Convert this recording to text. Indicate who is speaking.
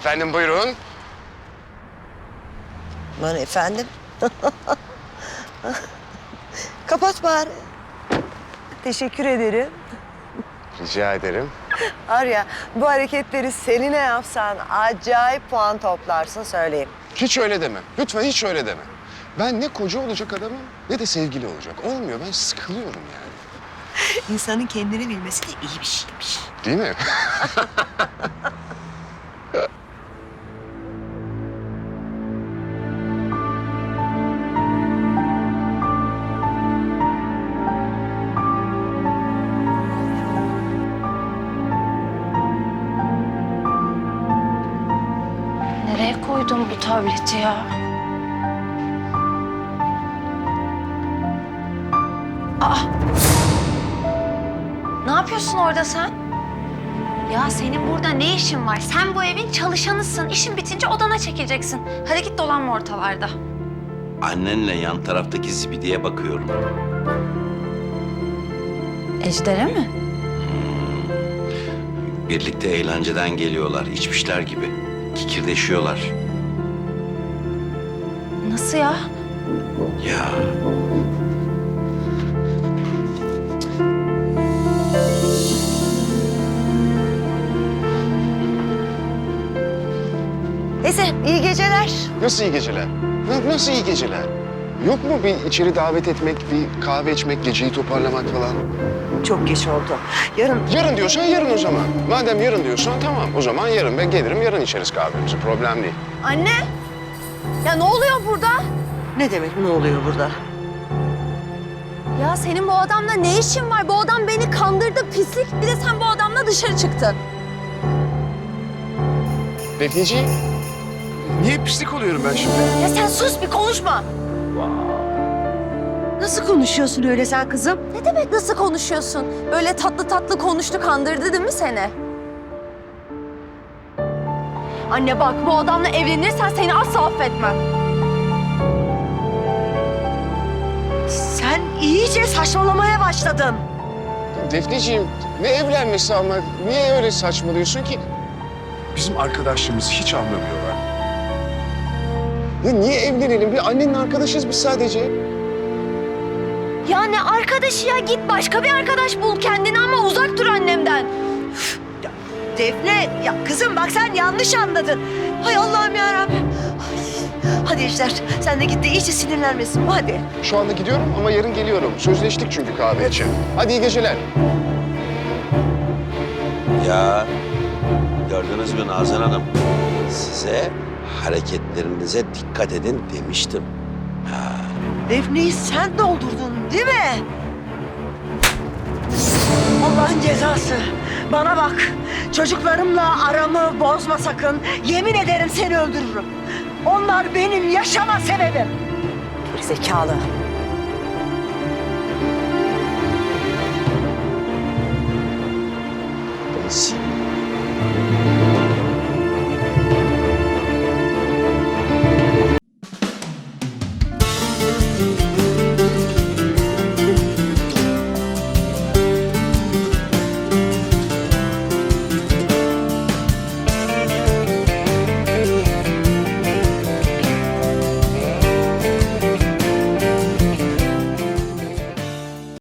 Speaker 1: Efendim buyurun.
Speaker 2: Aman efendim. Kapat bari. Teşekkür ederim.
Speaker 1: Rica ederim.
Speaker 2: Var ya, bu hareketleri Selin'e yapsan acayip puan toplarsın söyleyeyim.
Speaker 1: Hiç öyle deme. Lütfen hiç öyle deme. Ben ne koca olacak adamım ne de sevgili olacak. Olmuyor. Ben sıkılıyorum yani.
Speaker 2: İnsanın kendini bilmesi de iyi bir şeymiş.
Speaker 1: Değil mi?
Speaker 3: Nereye koydun bu tableti ya? Aa! Ne yapıyorsun orada sen? Ya senin burada ne işin var? Sen bu evin çalışanısın. İşin bitince odana çekileceksin. Hadi git dolanma ortalarda.
Speaker 4: Annenle yan taraftaki zibideye bakıyorum.
Speaker 3: Ejder'e mi?
Speaker 4: Birlikte eğlenceden geliyorlar, içmişler gibi. Kikirdeşiyorlar.
Speaker 3: Nasıl ya?
Speaker 4: Ya
Speaker 2: Neyse, iyi geceler.
Speaker 1: Nasıl iyi geceler? Nasıl iyi geceler? Yok mu bir içeri davet etmek, bir kahve içmek, geceyi toparlamak falan?
Speaker 2: Çok geç oldu. Yarın
Speaker 1: Yarın diyorsan yarın o zaman. Madem yarın diyorsan tamam. O zaman yarın ben gelirim, yarın içeriz kahvemizi. Problem değil.
Speaker 3: Anne! Ya ne oluyor burada?
Speaker 2: ne demek ne oluyor burada?
Speaker 3: Ya senin bu adamla ne işin var? Bu adam beni kandırdı pislik. Bir de sen bu adamla dışarı çıktın.
Speaker 1: Defneciğim, niye pislik oluyorum ben şimdi?
Speaker 3: Ya sen sus bir konuşma.
Speaker 2: Nasıl konuşuyorsun öyle sen kızım?
Speaker 3: Ne demek nasıl konuşuyorsun? Böyle tatlı tatlı konuştu, kandırdı değil mi seni? Anne bak, bu adamla evlenirsen seni asla affetmem.
Speaker 2: Sen iyice saçmalamaya başladın.
Speaker 1: Defneciğim, ne evlenmesi ama niye öyle saçmalıyorsun ki? Bizim arkadaşlığımızı hiç anlamıyorlar. Ya niye evlenelim? Bir annenin arkadaşıyız biz sadece.
Speaker 3: Ya ne arkadaşı ya? Git başka bir arkadaş bul kendine ama uzak dur annemden.
Speaker 2: Defne, ya kızım bak sen yanlış anladın. Hay Allah'ım yarabbim. Ay, hadi Ejder, sen de git de iyice sinirlenmesin bu hadi.
Speaker 1: Şu anda gidiyorum ama yarın geliyorum. Sözleştik çünkü kahve için. Hadi iyi geceler.
Speaker 4: ya gördünüz mü Nazan Hanım? Size hareketlerinize dikkat edin demiştim.
Speaker 2: Defne'yi sen doldurdun değil mi? Allah'ın cezası. Bana bak, çocuklarımla aramı bozma sakın. Yemin ederim seni öldürürüm. Onlar benim yaşama sebebim. Gerizekalı.